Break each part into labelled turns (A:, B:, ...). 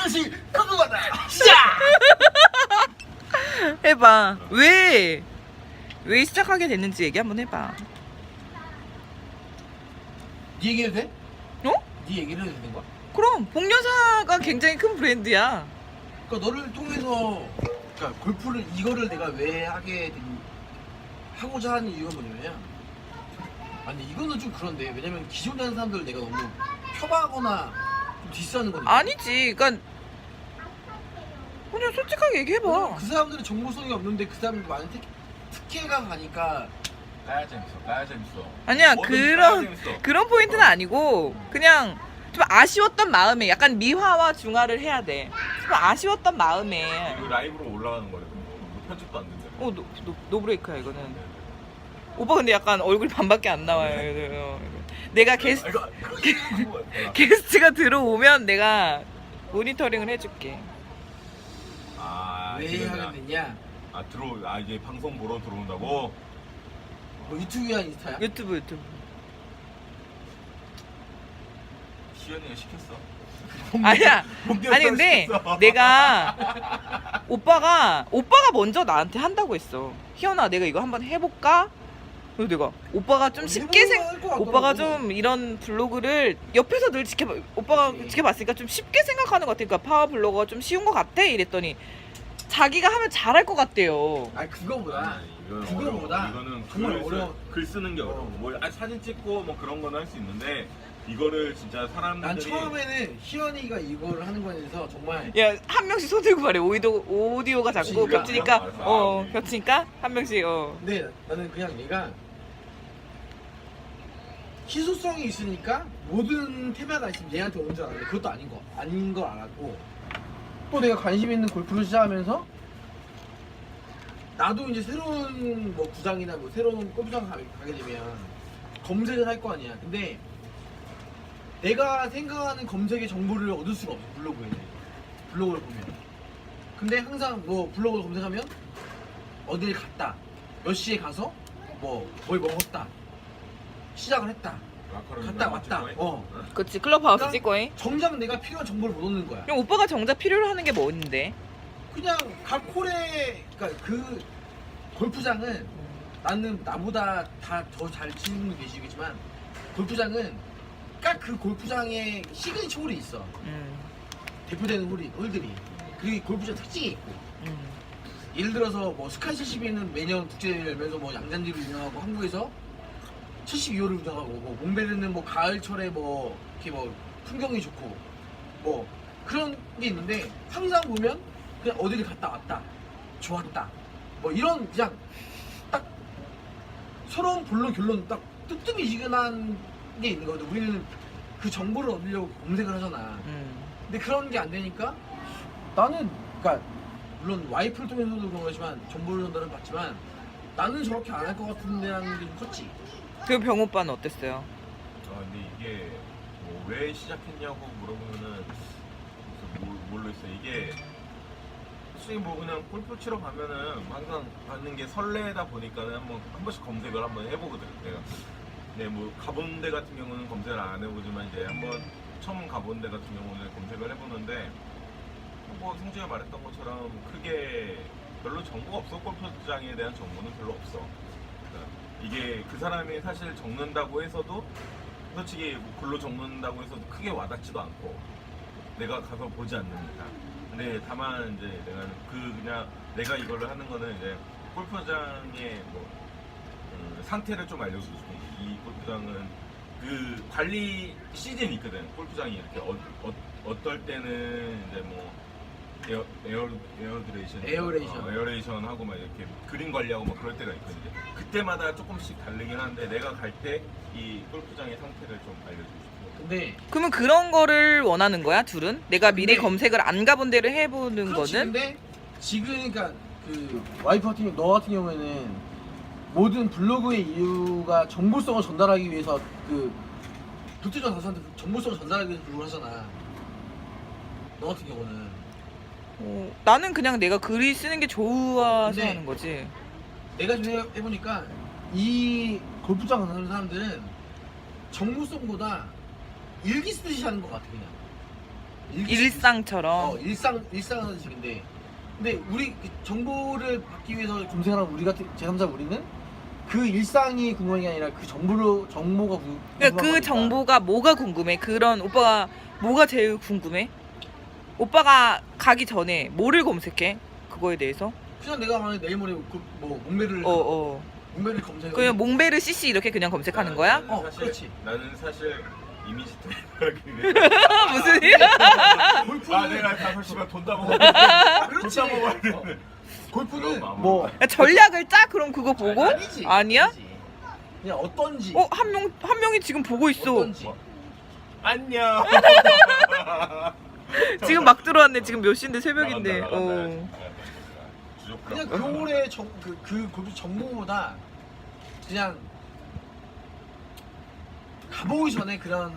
A: 이것이 궁금하다.
B: 해봐. 왜 시작하게 됐는지 얘기 한번 해봐.
A: 네 얘기해도 돼?
B: 어?
A: 네 얘기를 해도 되는 거야?
B: 그럼 복려사가 굉장히 큰 브랜드야.
A: 그러니까 너를 통해서 그러니까 골프를 이거를 내가 왜 하고자 하는 이유가 뭐냐면 아니 이거는 좀 그런데 왜냐면 기존에 하는 사람들 내가 너무 폄하하거나 좀 디스하는 거니까
B: 아니지. 그러니까 그냥 솔직하게 얘기해봐.
A: 그 사람들은 정보성이 없는데 그 사람들 많은 특혜가 가니까
C: 까야 재밌어.
B: 아니야
C: 뭐든지 까야 재밌어.
B: 그런 포인트는 아니고 그냥 좀 아쉬웠던 마음에 약간 미화와 중화를 해야 돼. 좀 아쉬웠던 마음에.
C: 이거 라이브로 올라가는 거래. 편집도 안 된대.
B: 노브레이크야 이거는. 오빠 근데 약간 얼굴 반밖에 안 나와요. 내가 게스트가 들어오면 내가 모니터링을 해줄게.
C: 아,
A: 왜
C: 이거냐.
A: 하게 됐냐?
C: 이게 방송 보러 들어온다고?
A: 뭐 유튜브야 인스타야?
B: 유튜브.
C: 시연이가 시켰어.
B: 아니야.
C: 본격
B: 아니 근데
C: 시켰어.
B: 내가 오빠가 먼저 나한테 한다고 했어. 희연아 내가 이거 한번 해볼까? 그래서 내가 오빠가 좀 쉽게
A: 해볼만 할것 같더라고.
B: 오빠가 좀 이런 블로그를 옆에서 늘 오빠가
A: 그치.
B: 지켜봤으니까 좀 쉽게 생각하는 것 같아. 그러니까 파워 블로거가 좀 쉬운 것 같아 이랬더니 자기가 하면 잘할 것 같대요.
A: 아니 그거보다
C: 이거는
A: 그거보다
C: 어려워. 이거는
A: 정말 어려워.
C: 글 쓰는 게 어려워. 뭐 사진 찍고 뭐 그런 거는 할 수 있는데 이거를 진짜 사람들이
A: 난 처음에는 희연이가 이거를 하는 거에 대해서 정말
B: 야 한 명씩 손 들고 말해. 오디오가 자꾸
A: 그러니까.
B: 겹치니까
C: 아,
B: 겹치니까 한 명씩
A: 근데 나는 그냥 얘가 희소성이 있으니까 모든 테마가 있으면 얘한테 오는 줄 알았는데 그것도 아닌 걸 알았고 또 내가 관심 있는 골프를 시작하면서 나도 이제 새로운 뭐 구장이나 뭐 새로운 골프장 가게 되면 검색을 할 거 아니야. 근데 내가 생각하는 검색의 정보를 얻을 수가 없어 블로그를 보면. 근데 항상 뭐 블로그를 검색하면 어딜 갔다, 몇 시에 가서 뭘 먹었다, 시작을 했다, 갔다 왔다.
B: 그치 클럽하우스
A: 그러니까
B: 찍고 해.
A: 정작 내가 필요한 정보를 못 얻는 거야.
B: 그럼 오빠가 정작 필요로 하는 게 뭔데?
A: 그냥 각 홀에 그러니까 그 골프장은 나는 나보다 다 더 잘 치는 분 계시겠지만 골프장은 딱 그 골프장에 시그니처 홀이 있어. 대표되는 홀들이. 그리고 골프장 특징이 있고. 예를 들어서 뭐 스카이 72는 매년 국제대회를 열면서 뭐 양잔디로 유명하고 한국에서 72호를 운영하고 뭐 몽베르는 뭐 가을철에 뭐 이렇게 뭐 풍경이 좋고 뭐 그런 게 있는데 항상 보면 그냥 어디를 갔다 왔다 좋았다 뭐 이런 그냥 딱 서러운 본론 결론 딱 뜨뜻미지근한 게 있는 거거든. 우리는 그 정보를 얻으려고 검색을 하잖아. 근데 그런 게 안 되니까 나는 그러니까 물론 와이프를 통해서도 그런 거지만 정보를 전달은 받지만 나는 저렇게 안 할 것 같은데라는 게 좀 컸지.
B: 그 병 오빠는 어땠어요?
C: 근데 이게 뭐 왜 시작했냐고 물어보면은 모르겠어. 이게 솔직히 뭐 그냥 골프 치러 가면은 항상 받는 게 설레다 보니까는 한 번씩 검색을 한번 해보거든. 내가 뭐 가본 데 같은 경우는 검색을 안 해보지만 이제 한번 처음 가본 데 같은 경우는 검색을 해보는데 뭐 성재가 말했던 것처럼 크게 별로 정보가 없어. 골프장에 대한 정보는 별로 없어. 그러니까 이게 그 사람이 사실 적는다고 해서도 솔직히 뭐 글로 적는다고 해서도 크게 와닿지도 않고 내가 가서 보지 않는다. 근데 다만 이제 그냥 내가 이거를 하는 거는 이제 골프장의 뭐 상태를 좀 알려주고 이 골프장은 그 관리 시즌이 있거든. 골프장이 이렇게 어떨 때는 이제 뭐 에어레이션 하고 막 이렇게 그린 관리하고 막 그럴 때가 있거든요. 그때마다 조금씩 다르긴 한데 내가 갈 때 이 골프장의 상태를 좀 알려주고 싶어.
A: 근데
B: 그러면 그런 거를 원하는 거야 둘은? 내가 미리
A: 근데-
B: 검색을 안 가본 데를 해보는
A: 그렇지.
B: 거는?
A: 근데 지금 그러니까 그 와이프 같은 경우 너 같은 경우에는 모든 블로그의 이유가 정보성을 전달하기 위해서 그 도태전 가수한테 정보성을 전달하기 위해서 블로그를 하잖아. 너 같은 경우는
B: 나는 그냥 내가 글이 쓰는 게 좋아서
A: 근데-
B: 하는 거지.
A: 내가 좀 해보니까 이 골프장 가는 사람들은 정보성보다 일기 쓰듯이 하는 것 같아 그냥.
B: 일상처럼.
A: 일상식인데, 근데 우리 그 정보를 받기 위해서 검색하는 우리 같은 제3자 우리는 그 일상이 궁금한 게 아니라 그 정보가
B: 그러니까 그 정보가 뭐가 궁금해? 그런 오빠가 뭐가 제일 궁금해? 오빠가 가기 전에 뭐를 검색해? 그거에 대해서?
A: 그냥 내가 만약 내일 모레 뭐 목매를 검색해.
B: 그냥 몽베르 CC 이렇게 그냥 검색하는 거야?
A: 그렇지.
C: 나는 사실 이미지 트레이너라기 위해
B: 무슨 일이야?
A: 골프는
C: 내가 5시간 돈 다 먹어.
A: 그렇지.
C: 돈 다 먹어야 되는.
A: 골프는
C: 그럼
A: 뭐
B: 야, 전략을 짜? 그럼 그거 보고?
A: 아니지.
B: 아니야?
A: 아니지. 그냥 어떤지.
B: 한 명이 지금 보고 있어.
A: 어떤지.
C: 안녕.
B: 지금 막 들어왔네. 지금 몇 시인데 새벽인데.
A: 그냥 겨울에 그 골프 정보보다 그냥 가보기 전에 그런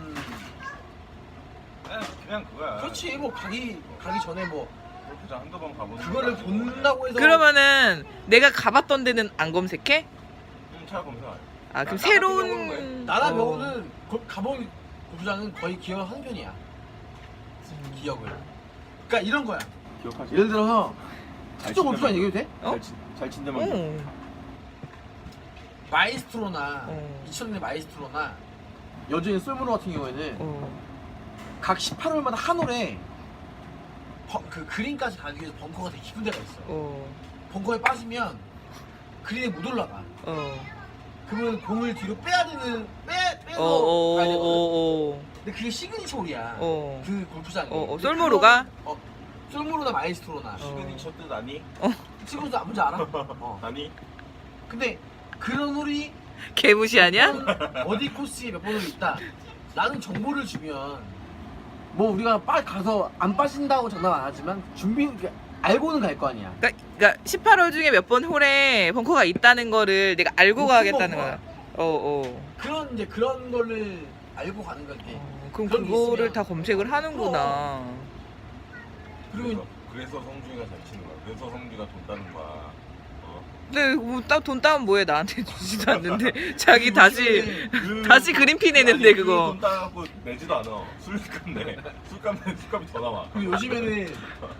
C: 그냥 그거야.
A: 그렇지 뭐 가기 전에 뭐
C: 골프장 한두 번 가보는.
A: 그거를 본다고 해서
B: 그러면은 내가 가봤던 데는 안 검색해?
C: 차 검사.
B: 아 그럼
C: 나
B: 새로운
A: 나나 병호는 가본 골프장은 거의 기억을 하는 편이야. 기억을. 그러니까 이런 거야.
C: 기억하지?
A: 예를 들어서 특정 골프장 얘기해도 돼?
B: 어?
C: 잘 친데만.
A: 마이스트로나
B: 어.
A: 2000년대 마이스트로나 여전히 솔무로 같은 경우에는 각 18홀마다 한 홀에 그 그린까지 가기 위해서 벙커가 되게 깊은 데가 있어. 벙커에 빠지면 그린에 못 올라가. 그러면 공을 뒤로 빼야 되는 빼서 가야 되거든. 근데 그게 시그니처 홀이야. 그 골프장이.
B: 솔무로가?
A: 솔무로나 마이스트로나.
C: 시그니처 뜻 아니?
A: 시그니처 뭔지 알아?
C: 아니?
A: 근데 그런 홀이
B: 개무시 아니야?
A: 어디 코스에 몇 번을 있다. 나는 정보를 주면 뭐 우리가 빨리 가서 안 빠진다고 장담 안 하지만 알고는 갈 거 아니야.
B: 그러니까 18홀 중에 몇 번 홀에 벙커가 있다는 거를 내가 알고
A: 높은
B: 가겠다는
A: 벙커야.
B: 거야.
A: 그런 거를 알고 가는 건데.
B: 그럼
A: 그런 게
B: 그거를
A: 있으면
B: 다 검색을 하는구나.
A: 그리고
C: 그래서 성준이가 잘 치는 거야. 그래서 성준이가 돈 따는 거야.
B: 근데 돈 따면 뭐해? 나한테 주지도 않는데 자기 다시 그린피 내는데 그거.
C: 돈 따갖고 내지도 않아. 술값 내. 술값이 더 나와.
A: 그리고 요즘에는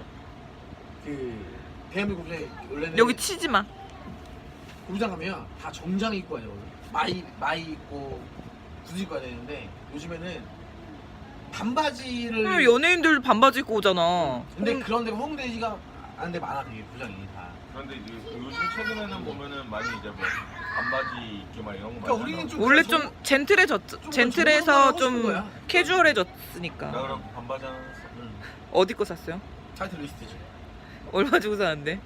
A: 그 대한민국 골프장에 원래는
B: 여기 치지 마.
A: 골프장 가면 다 정장 입고 와야 되거든. 마이 입고 구두 입고 와야 되는데 요즘에는 반바지를.
B: 그럼 연예인들 반바지 입고 오잖아.
A: 근데 그런 데가 홍대지가 않은 데 많아 되게 골프장이 다.
C: 그런데 이제 요즘 최근에는 보면은 많이 이제 뭐 반바지 입기 막 이런 거
A: 그러니까
C: 많이
A: 우리는
C: 하잖아.
A: 좀
B: 원래
A: 그래서
B: 좀 젠틀해서
A: 하고 싶은
B: 좀
A: 거야.
B: 캐주얼해졌으니까.
C: 나 그럼 반바지 하나 샀어.
B: 어디 거 샀어요?
A: 타이틀 리스트지.
B: 얼마 주고 샀는데?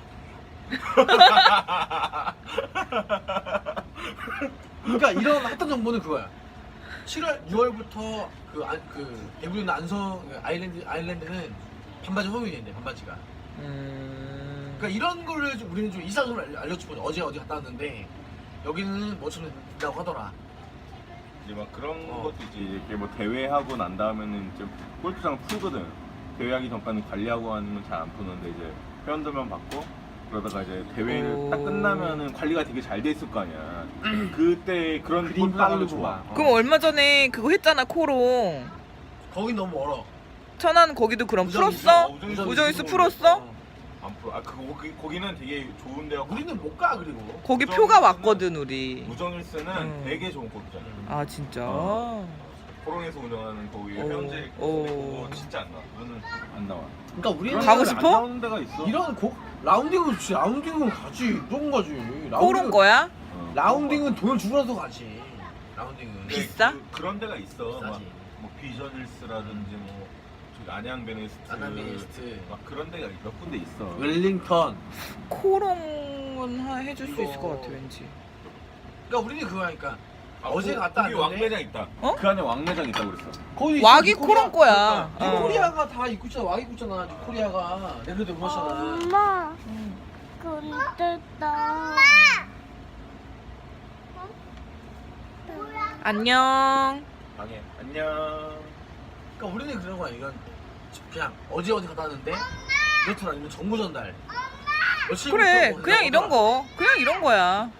A: 그러니까 이런 핫한 정보는 그거야. 7월, 6월부터 그 대구에 있는 안성 아일랜드는 반바지 허용이 된대. 반바지가. 그러니까 이런 거를 좀 우리는 좀 일상적으로 알려주고 어제 어디 갔다 왔는데 여기는 뭐처럼 된다고 하더라.
C: 이제 막 그런 것도 이제 이렇게 뭐 대회하고 난 다음에는 이제 골프장 풀거든. 대회하기 전까지는 관리하고 하는 건 잘 안 푸는데 이제 회원들만 받고 그러다가 이제 대회를 딱 끝나면은 관리가 되게 잘 돼 있을 거 아니야. 그때 그런
A: 그림
C: 골프장이
A: 깔고
C: 좋아.
A: 막.
B: 그럼 얼마 전에 그거 했잖아 코롱.
A: 거긴 너무 멀어.
B: 천안 거기도 그럼
A: 우정이수.
B: 풀었어?
C: 우정이수
B: 우정이수 풀었어?
C: 안 풀어. 아 거기는 되게 좋은 데가.
A: 우리는 못 가 그리고.
B: 거기
C: 우정일수는-
B: 표가 왔거든 우리.
C: 우정일스는 되게 좋은 골프장이야.
B: 아 진짜?
C: 코롱에서 운영하는 거기
B: 오.
C: 회원제
B: 오.
C: 그거 진짜 안 나와. 그거는 안 나와.
A: 그러니까 우리는
B: 가고 싶어?
C: 안 나오는 데가 있어.
A: 이런 라운딩은 좋지. 라운딩은 가지. 무조건 가지.
B: 코롱 거야?
A: 라운딩은 돈을 주고 나서 가지. 라운딩은.
C: 근데
B: 비싸?
C: 그런 데가 있어.
A: 비싸지.
C: 뭐 비전일스라든지 뭐 저기 안양 베네스트, 막 그런 데가 몇 군데 있어.
A: 웰링턴.
B: 코롱은 해줄 수
A: 이거-
B: 있을 것 같아 왠지.
A: 그러니까 우리는 그거니까 어제 갔다
C: 거기
A: 왔는데
C: 왕매장 있다.
B: 어?
C: 그 안에 왕매장 있다고 그랬어.
A: 거기
B: 왁이
A: 있어,
B: 코롱 거야.
C: 그러니까.
B: 어.
A: 코리아가 다 입고 있잖아. 왁 입고 있잖아. 코리아가 내려도 그렇잖아.
D: 엄마, 근데 나
B: 안녕.
C: 방에 안녕.
A: 그러니까 우리는 그런 거야. 이건 그냥 어제 갔다 왔는데 이렇더라 아니면 정보 전달. 며칠
B: 그래
A: 부터
B: 그냥 이런 거. 그냥 이런 거야.